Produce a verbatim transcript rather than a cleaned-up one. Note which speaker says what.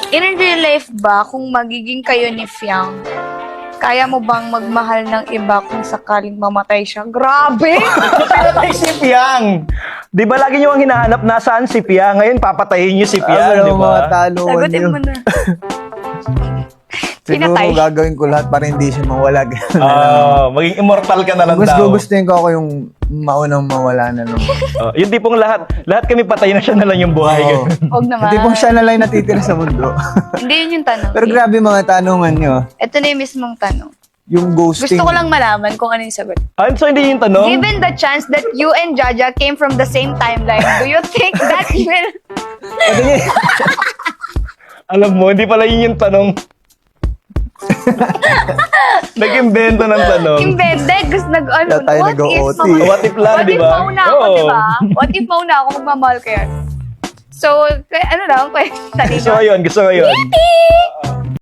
Speaker 1: In real life ba, kung magiging kayo ni Fiang, kaya mo bang magmahal ng iba kung sakaling mamatay siya? Grabe!
Speaker 2: Pinatay si Piang. Di ba lagi niyo ang hinahanap nasaan si Piang? Ngayon papatayin niyo si
Speaker 3: Ah,
Speaker 2: Piang,
Speaker 3: wala
Speaker 2: di
Speaker 3: akong mga
Speaker 2: ba?
Speaker 3: taluan
Speaker 1: Sagutin
Speaker 3: yun.
Speaker 1: mo na.
Speaker 3: Siguro
Speaker 1: Pinatay.
Speaker 3: gagawin ko lahat para hindi siya mawala. Ganun na lang.
Speaker 2: Ah, maging immortal ka na lang
Speaker 3: Mas
Speaker 2: daw.
Speaker 3: gugustuhin ko ako yung maunang mawala na lang.
Speaker 2: Oh, yung tipong lahat, lahat kami patay na siya na lang yung buhay.
Speaker 3: Oo.
Speaker 1: Huwag naman.
Speaker 3: Hindi pong siya na lang yung natitira sa mundo.
Speaker 1: Hindi yun yung tanong.
Speaker 3: Pero grabe mga tanungan nyo.
Speaker 1: Ito na yung mismong tanong.
Speaker 3: Yung ghosting.
Speaker 1: Gusto ko lang malaman kung ano yung sagot.
Speaker 2: Ah, so hindi yung tanong?
Speaker 1: Given the chance that you and Jaja came from the same timeline, do you think that will...
Speaker 2: Alam mo, hindi pala yun yung tanong. Nag-invento ng tanong.
Speaker 1: Imbende, gusto nag... Ano,
Speaker 3: Kaya tayo
Speaker 1: what if...
Speaker 3: nag-O T.
Speaker 1: mama-
Speaker 2: What if lang,
Speaker 1: What
Speaker 2: di
Speaker 1: if
Speaker 2: ba?
Speaker 1: mauna ako,
Speaker 2: Oo.
Speaker 1: di ba? What if mauna ako magmamahal ko yan? So, kaya ano lang, kaya
Speaker 2: Gusto ko yun, gusto ko yun.
Speaker 1: Yeti!